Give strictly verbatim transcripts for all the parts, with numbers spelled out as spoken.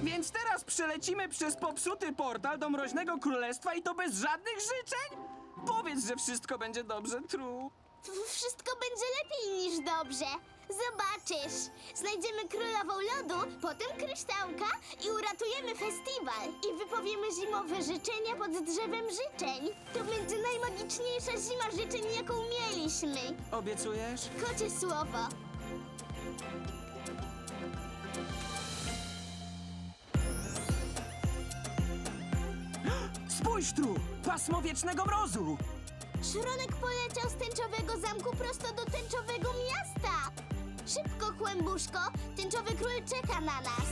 Więc teraz przelecimy przez popsuty portal do Mroźnego Królestwa i to bez żadnych życzeń? Powiedz, że wszystko będzie dobrze, Tru. W- Wszystko będzie lepiej niż dobrze. Zobaczysz. Znajdziemy królową lodu, potem kryształka i uratujemy festiwal. I wypowiemy zimowe życzenia pod drzewem życzeń. To będzie najmagiczniejsza zima życzeń, jaką mieliśmy. Obiecujesz? Kocie słowo. Spójrz, Tru! Pasmo wiecznego mrozu! Szronek poleciał z tęczowego zamku prosto do tęczowego miasta. Szybko, Kłębuszko, tęczowy król czeka na nas.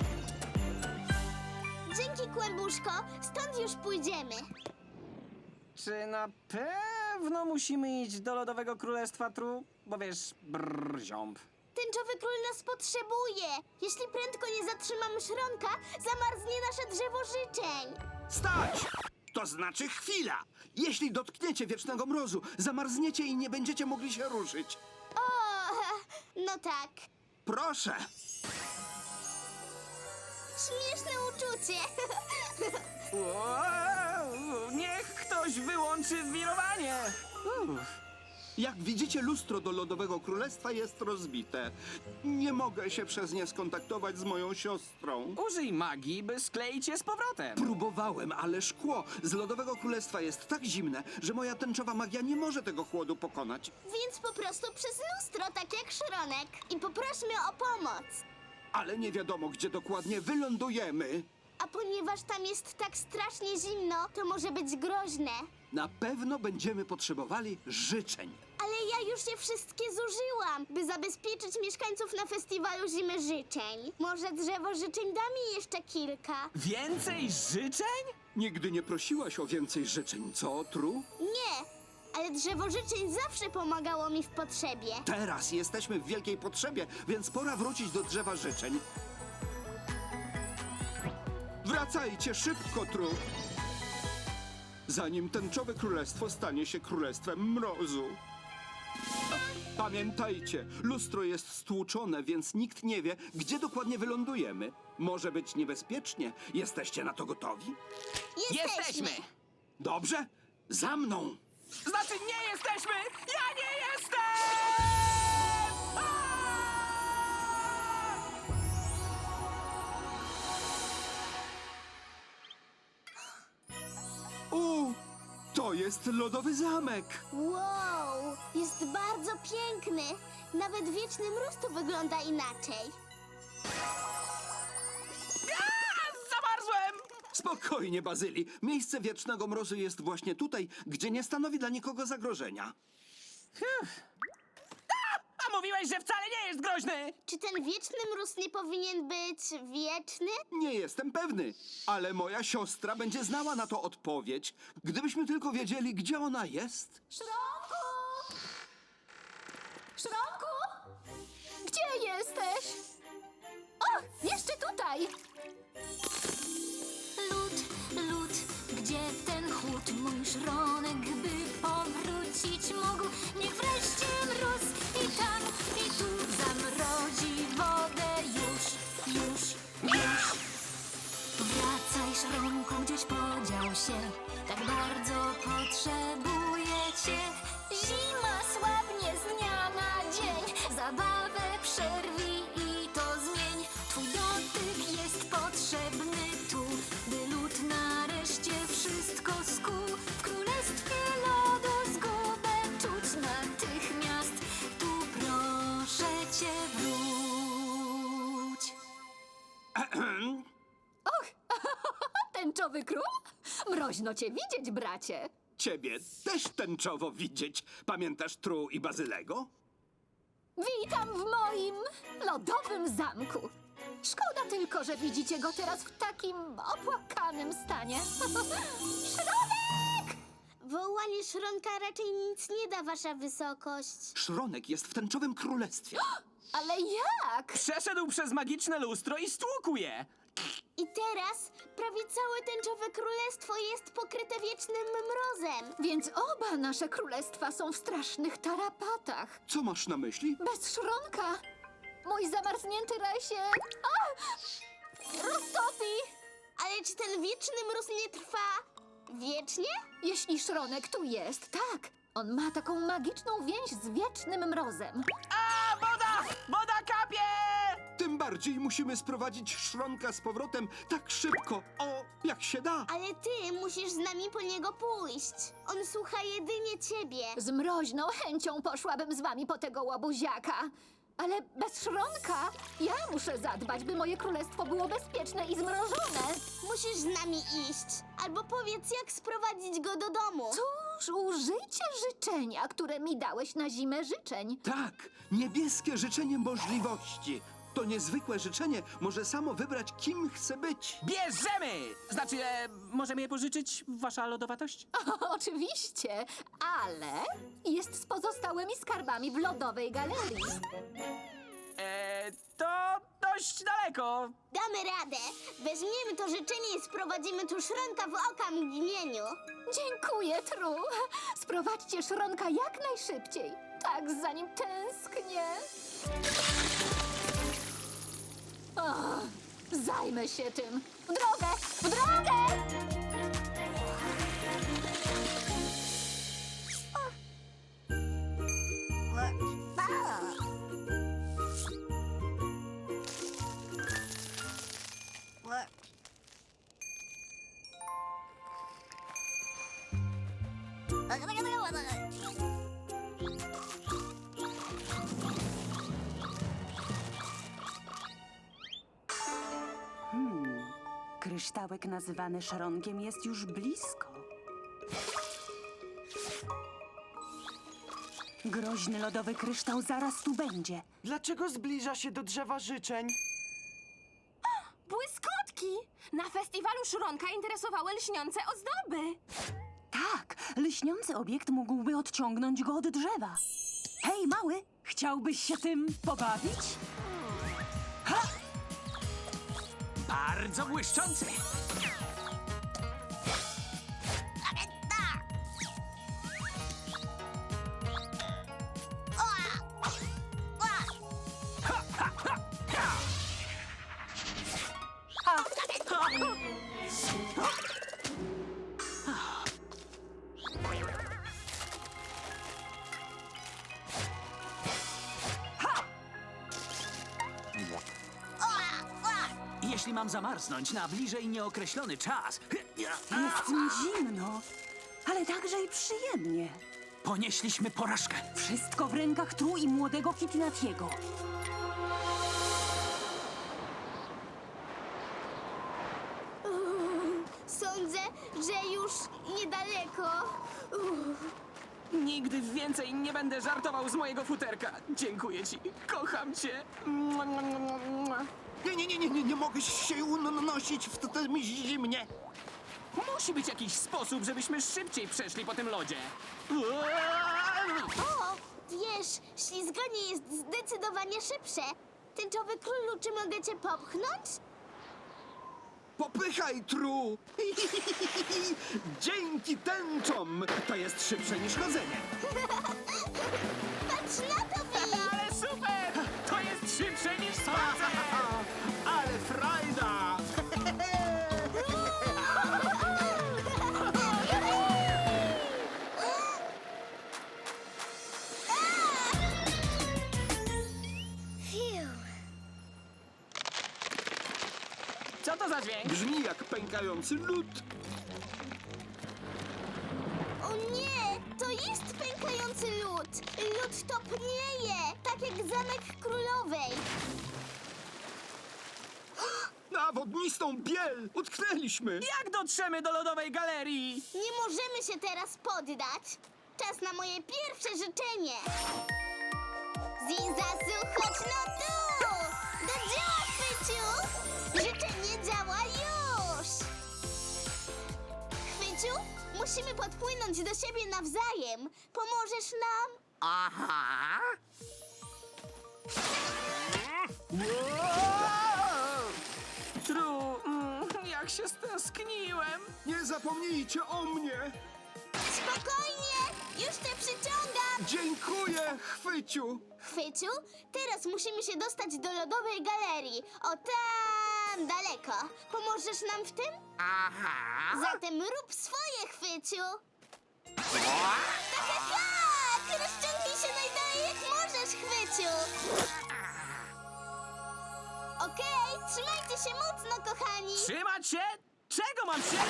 Dzięki, Kłębuszko, stąd już pójdziemy. Czy na pewno musimy iść do Lodowego Królestwa, Tru? Bo wiesz, brrr, ziąb. Tęczowy król nas potrzebuje. Jeśli prędko nie zatrzymamy szronka, zamarznie nasze drzewo życzeń. Stać! To znaczy chwila! Jeśli dotkniecie wiecznego mrozu, zamarzniecie i nie będziecie mogli się ruszyć. O, no tak. Proszę! Śmieszne uczucie. Wow, niech ktoś wyłączy wirowanie! Uff. Jak widzicie, lustro do Lodowego Królestwa jest rozbite. Nie mogę się przez nie skontaktować z moją siostrą. Użyj magii, by skleić je z powrotem. Próbowałem, ale szkło z Lodowego Królestwa jest tak zimne, że moja tęczowa magia nie może tego chłodu pokonać. Więc po prostu przez lustro, tak jak szronek. I poprośmy o pomoc. Ale nie wiadomo, gdzie dokładnie wylądujemy. A ponieważ tam jest tak strasznie zimno, to może być groźne. Na pewno będziemy potrzebowali życzeń. Ale ja już je wszystkie zużyłam, by zabezpieczyć mieszkańców na festiwalu Zimy Życzeń. Może drzewo życzeń da mi jeszcze kilka? Więcej życzeń? Nigdy nie prosiłaś o więcej życzeń, co, Tru? Nie, ale drzewo życzeń zawsze pomagało mi w potrzebie. Teraz jesteśmy w wielkiej potrzebie, więc pora wrócić do drzewa życzeń. Wracajcie szybko, Tru! Zanim tęczowe królestwo stanie się królestwem mrozu. Pamiętajcie, lustro jest stłuczone, więc nikt nie wie, gdzie dokładnie wylądujemy. Może być niebezpiecznie. Jesteście na to gotowi? Jesteśmy! Dobrze? Za mną! Znaczy nie jesteśmy! Ja nie jestem! Aaa! U, to jest lodowy zamek! Wow, jest bardzo piękny. Nawet wieczny mróz tu wygląda inaczej. Aaa! Zamarzłem! Spokojnie, Bazyli. Miejsce wiecznego mrozu jest właśnie tutaj, gdzie nie stanowi dla nikogo zagrożenia. A mówiłeś, że wcale nie jest groźny! Czy ten wieczny mróz nie powinien być wieczny? Nie jestem pewny, ale moja siostra będzie znała na to odpowiedź, gdybyśmy tylko wiedzieli, gdzie ona jest. Szronku! Szronku! Gdzie jesteś? O, jeszcze tutaj! Lód, lód, gdzie ten chłód? Mój szronek, by powrócić mógł. Niech wreszcie mróz i tam, i tu zamrozi wodę już, już, już. Wracaj, szronku, gdzieś podział się. Tak bardzo potrzebuję cię. Zima słabnie z dnia na dzień. Zabawę przerwij i to zmień. Twój dotyk jest potrzebny tu, by lód nareszcie wszystko skuł. W królestwie lodu zgubę czuć natychmiast. Tu proszę cię, wróć. Tęczowy król? Mroźno cię widzieć, bracie. Ciebie też tęczowo widzieć. Pamiętasz Tru i Bazylego? Witam w moim lodowym zamku. Szkoda tylko, że widzicie go teraz w takim opłakanym stanie. Szronek! Wołanie szronka raczej nic nie da, wasza wysokość. Szronek jest w tęczowym królestwie. Ale jak? Przeszedł przez magiczne lustro i stłukł je! I teraz prawie całe tęczowe królestwo jest pokryte wiecznym mrozem. Więc oba nasze królestwa są w strasznych tarapatach. Co masz na myśli? Bez szronka. Mój zamarznięty raj się... A! Roztopi! Ciekawe, czy ten wieczny mróz nie trwa wiecznie? Jeśli Szronek tu jest, tak. On ma taką magiczną więź z wiecznym mrozem. A, woda! Woda kapie! Tym bardziej musimy sprowadzić Szronka z powrotem tak szybko, o, jak się da. Ale ty musisz z nami po niego pójść. On słucha jedynie ciebie. Z mroźną chęcią poszłabym z wami po tego łobuziaka. Ale bez Szronka ja muszę zadbać, by moje królestwo było bezpieczne i zmrożone. Musisz z nami iść. Albo powiedz, jak sprowadzić go do domu. Cóż, użyjcie życzenia, które mi dałeś na zimę życzeń. Tak, niebieskie życzenie możliwości. To niezwykłe życzenie może samo wybrać, kim chce być. Bierzemy! Znaczy, e, możemy je pożyczyć, wasza lodowatość? Oczywiście, ale jest z pozostałymi skarbami w lodowej galerii. E, to dość daleko. Damy radę. Weźmiemy to życzenie i sprowadzimy tu Szronka w oka mgnieniu. Dziękuję, Tru. Sprowadźcie Szronka jak najszybciej. Tak za nim tęsknię. O, zajmę się tym. W drogę! W drogę! Kryształek nazywany Szronkiem jest już blisko. Groźny lodowy kryształ zaraz tu będzie. Dlaczego zbliża się do drzewa życzeń? Błyskotki! Na festiwalu Szronka interesowały lśniące ozdoby. Tak, lśniący obiekt mógłby odciągnąć go od drzewa. Hej, mały, chciałbyś się tym pobawić? Bardzo błyszczący. Jeśli mam zamarznąć na bliżej nieokreślony czas, Jest mi zimno, ale także i przyjemnie. ponieśliśmy porażkę. Wszystko w rękach Tru i młodego Kitnatiego. Sądzę, że już niedaleko. Uff. Nigdy więcej nie będę żartował z mojego futerka. Dziękuję ci. Kocham cię. Mua, mua, mua, mua. Nie, nie, nie, nie, nie, nie mogę się unosić w tym zimnie. Musi być jakiś sposób, żebyśmy szybciej przeszli po tym lodzie. O, wiesz, ślizganie jest zdecydowanie szybsze. Tęczowy królu, czy mogę cię popchnąć? Popychaj, Tru! Dzięki tęczom! To jest szybsze niż chodzenie. Patrz na to, Wi! Ale super! To jest szybsze niż spacer! Ale frajda! Co to za dźwięk? Brzmi jak pękający lód. O nie, to jest pękający lód. Lód topnieje, tak jak zamek królowej. Na wodnistą biel! Utknęliśmy! Jak dotrzemy do lodowej galerii? Nie możemy się teraz poddać. Czas na moje pierwsze życzenie. Zizasu, chodź no tu! Do dzieła, Chwyciu! Życzenie działa już! Chwyciu, musimy podpłynąć do siebie nawzajem. Pomożesz nam? Aha! Tru, mm, jak się stęskniłem. Nie zapomnijcie o mnie! Spokojnie, już cię przyciągam! Dziękuję, Chwyciu! Chwyciu, teraz musimy się dostać do lodowej galerii. O tak! widziałam daleko. Pomożesz nam w tym? Aha. Zatem rób swoje, Chwyciu. Tak, tak! Rozciągnij się najdalej jak możesz, Chwyciu. Okej, trzymajcie się mocno, kochani. Trzymać się? Czego mam się?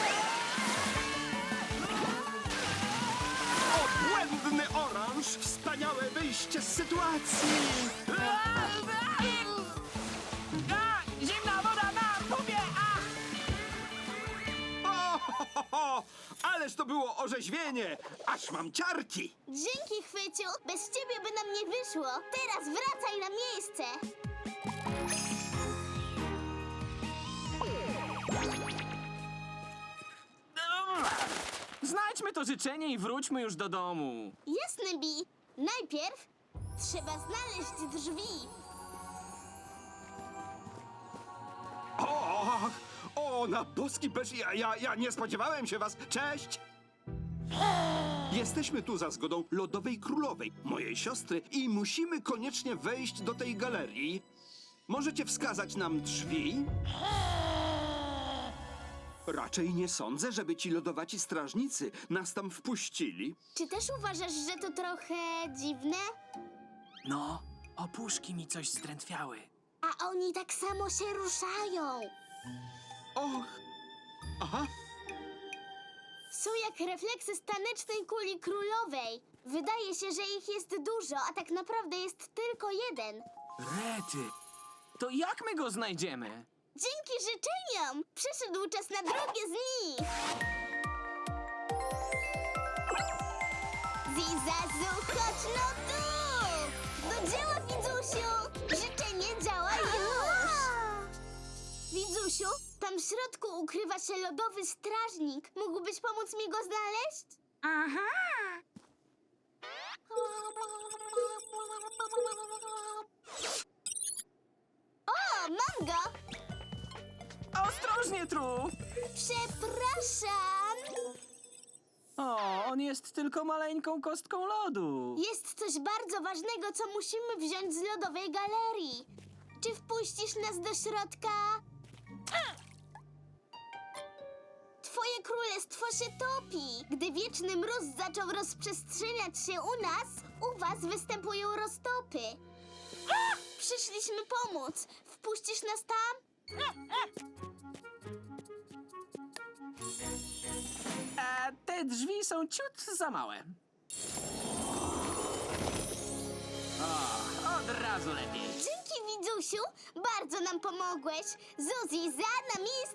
Obłędny oranż! Wspaniałe wyjście z sytuacji! A, zimna woda na pupie! A! O, ho, ho, ho. Ależ to było orzeźwienie! Aż mam ciarki! Dzięki, Chwyciu. Bez ciebie by nam nie wyszło. Teraz wracaj na miejsce. Znajdźmy to życzenie i wróćmy już do domu. Jasne, Bi. Najpierw trzeba znaleźć drzwi. O, o, na boski beż, ja, ja, ja nie spodziewałem się was. Cześć! Jesteśmy tu za zgodą Lodowej Królowej, mojej siostry, i musimy koniecznie wejść do tej galerii. Możecie wskazać nam drzwi? Raczej nie sądzę, żeby ci lodowaci strażnicy nas tam wpuścili. Czy też uważasz, że to trochę dziwne? No, opuszki mi coś zdrętwiały. A oni tak samo się ruszają. Och, aha, Są jak refleksy stanecznej kuli królowej. Wydaje się, że ich jest dużo, a tak naprawdę jest tylko jeden. Rety, to jak my go znajdziemy? Dzięki życzeniom przyszedł czas na drugie z nich. Zizazu, chodź no tu! Do dzieła, Widzusiu! Życzenie działa już! Widzusiu, tam w środku ukrywa się lodowy strażnik. Mógłbyś pomóc mi go znaleźć? Aha! O, mam go! Ostrożnie, Tru! Przepraszam! O, on jest tylko maleńką kostką lodu. Jest coś bardzo ważnego, co musimy wziąć z lodowej galerii. Czy wpuścisz nas do środka? Twoje królestwo się topi. Gdy wieczny mróz zaczął rozprzestrzeniać się u nas, u was występują roztopy. Przyszliśmy pomóc. Wpuścisz nas tam? A te drzwi są ciut za małe. O, od razu lepiej. Dzięki, Widzusiu. Bardzo nam pomogłeś. Zuzi, za na miejsce.